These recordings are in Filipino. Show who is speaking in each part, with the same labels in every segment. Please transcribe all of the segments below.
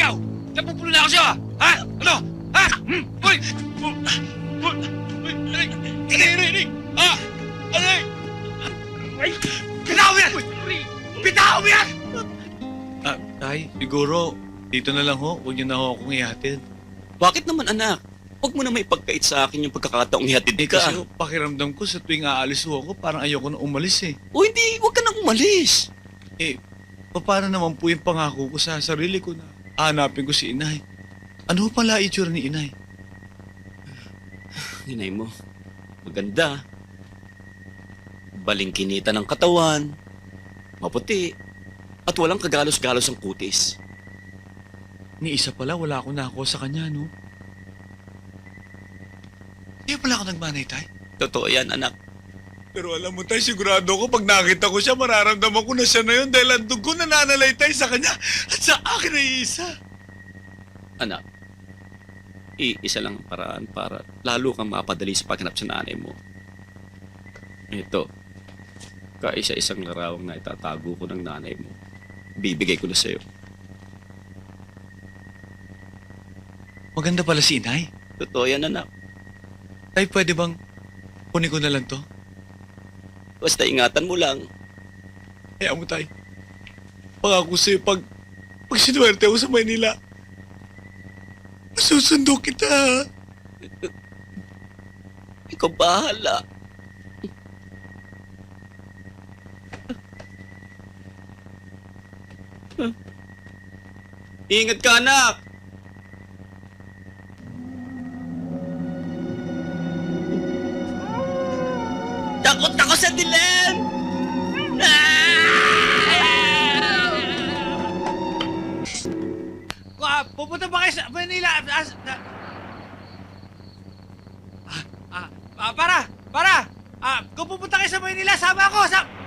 Speaker 1: Ikaw! Napupulo na ako sa'yo, ha? Ano? Ha? Uy! Uy! Aray! Ah! Aray! Ay! Bitaw mo yan! Bitaw mo yan!
Speaker 2: Tay, siguro, dito na lang ho. Huwag niyo na ho akong ihatid.
Speaker 3: Bakit naman, anak? Huwag mo na may pagkait sa akin yung pagkakataong ihatid ka.
Speaker 2: Kasi ho, pakiramdam ko sa tuwing aalis ho ako, parang ayoko na umalis eh.
Speaker 3: O hindi, huwag ka nang umalis.
Speaker 2: Paano naman po yung pangako ko sa sarili ko na hanapin ko si inay? Ano ho pala itsura ni inay?
Speaker 3: Inay mo, maganda. Balingkinita ng katawan, maputi, at walang kagalos-galos ang kutis.
Speaker 2: Ni isa pala, wala akong nakakuha sa kanya, no? Hindi pala ako nagmanay, tay.
Speaker 3: Totoo yan, anak.
Speaker 2: Pero alam mo, tay, sigurado ko pag nakita ko siya, mararamdaman ko na siya na yun dahil ang dugo na nanalay, tay, sa kanya at sa akin ay isa.
Speaker 3: Anak, iisa lang ang paraan para lalo kang mapadali sa paghanap sa nanay mo. Ito, kaisa-isang larawang na itatago ko ng nanay mo. Bibigay ko na sa'yo.
Speaker 2: Maganda pala si inay.
Speaker 3: Totoo yan, anak.
Speaker 2: Tay, pwede bang kunin ko na lang to?
Speaker 3: Basta ingatan mo lang.
Speaker 2: Kaya mo, tay. Pangako sa'yo, pag sinuwerte ako sa Maynila, masusundo kita.
Speaker 3: Ikaw bahala. Ingat ka, anak! Takot ako sa dilim!
Speaker 1: Pupunta ba kayo sa Manila? Para! Kung pupunta kayo sa Manila, sama ako!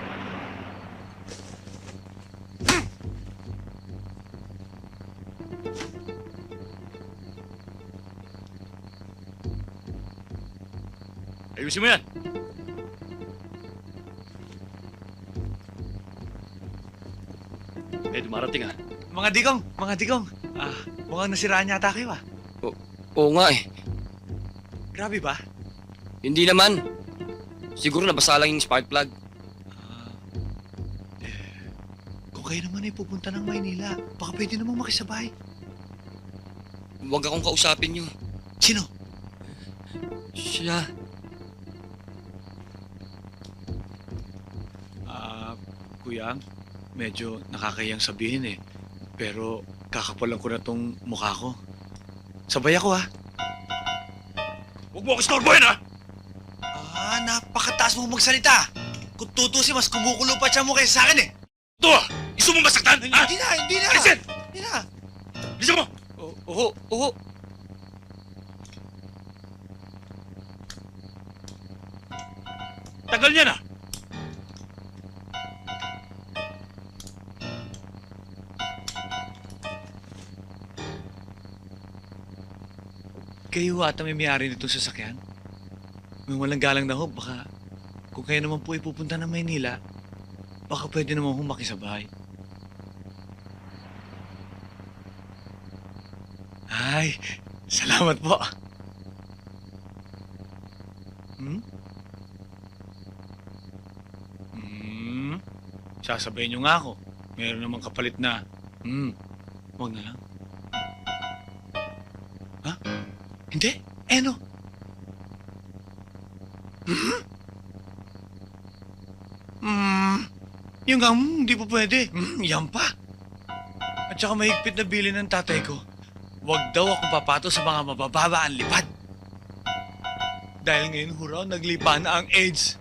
Speaker 4: Ayusin mo yan! May dumarating ah.
Speaker 2: Mga digong. Mukhang nasiraan yata kayo, ah.
Speaker 5: Oo nga eh.
Speaker 2: Grabe ba?
Speaker 5: Hindi naman. Siguro nabasa lang yung spark plug.
Speaker 2: Kung kayo naman ay pupunta ng Maynila, baka pwede namang makisabay.
Speaker 5: Huwag akong kausapin niyo.
Speaker 2: Sino?
Speaker 5: Siya.
Speaker 2: Kuya, medyo nakakayang sabihin eh. Pero kakapalan ko na tong mukha ko. Sabay ako, ah.
Speaker 4: Huwag mo ako istorbohin ah!
Speaker 2: Napakataas mo magsalita. Kung tutusin, mas kumukulo pa siya mo kaysa sa akin eh.
Speaker 4: Ito ah! Gusto mo masaktan? Ha?
Speaker 2: Hindi na.
Speaker 4: Alisin!
Speaker 2: Hindi na.
Speaker 4: Bilisan mo!
Speaker 2: Oo.
Speaker 4: Tagal niya na!
Speaker 2: Kayo ata may may-ari nitong sasakyan? May walang galang na ho, baka kung kayo naman po ipupunta ng Maynila, baka pwede naman ho makisabay. Ay, salamat po. Sasabayin niyo nga ako. Meron namang kapalit na, huwag na lang. Ha? Hindi? Ano? Yung nga, hindi pa pwede. Yan pa. At saka mahigpit na bili ng tatay ko. Huwag daw akong papato sa mga mabababa ang lipad. Dahil ngayon, huraw, naglipa na ang AIDS.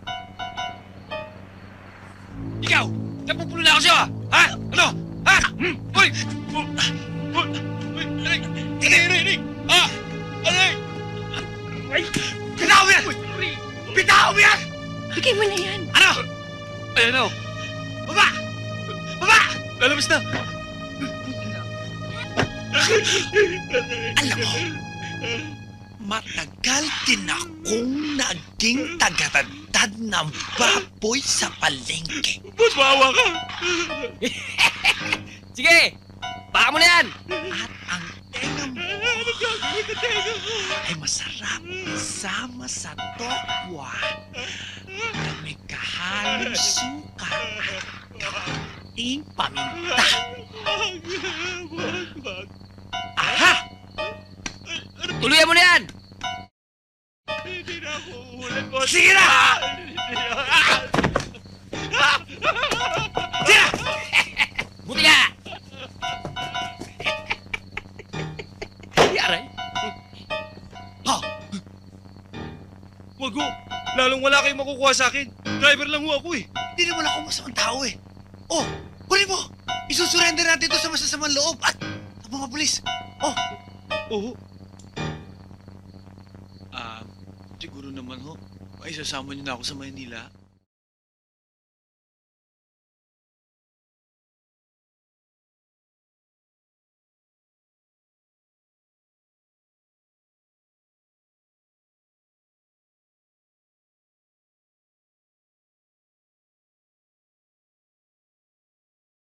Speaker 1: Ikaw! Napupulo na ako sa'yo, ha? Ano? Ha? Uy! Aray! Ah! Aray! Ay! Bitaw mo yan! Bitaw mo yan!
Speaker 6: Bigay mo na yan.
Speaker 1: Ano?
Speaker 4: Ayan o!
Speaker 1: Baba! Baba!
Speaker 2: Lalabas na!
Speaker 7: Alam mo, matagal din akong naging tagatantad ng baboy sa palengke.
Speaker 4: Boss, maawa ka!
Speaker 5: Sige! Baka mo na yan!
Speaker 7: At masarap isama sa tokwa na may kahalong suka at kating paminta. Aha!
Speaker 5: Tuluyan mo na yan!
Speaker 4: Hindi na ako uulit, boss.
Speaker 7: Sige na!
Speaker 5: Buti nga! Aray!
Speaker 7: Oh,
Speaker 1: Wag ho. Lalong wala kayong makukuha sa akin. Driver lang ho ako eh.
Speaker 7: hindi naman ako masamang tao eh. Oh, huli mo! Isusurrender natin ito sa masasamang loob at sa mga pulis. Oh,
Speaker 1: Oo.
Speaker 2: Siguro naman ho, ay sasama niyo na ako sa Maynila.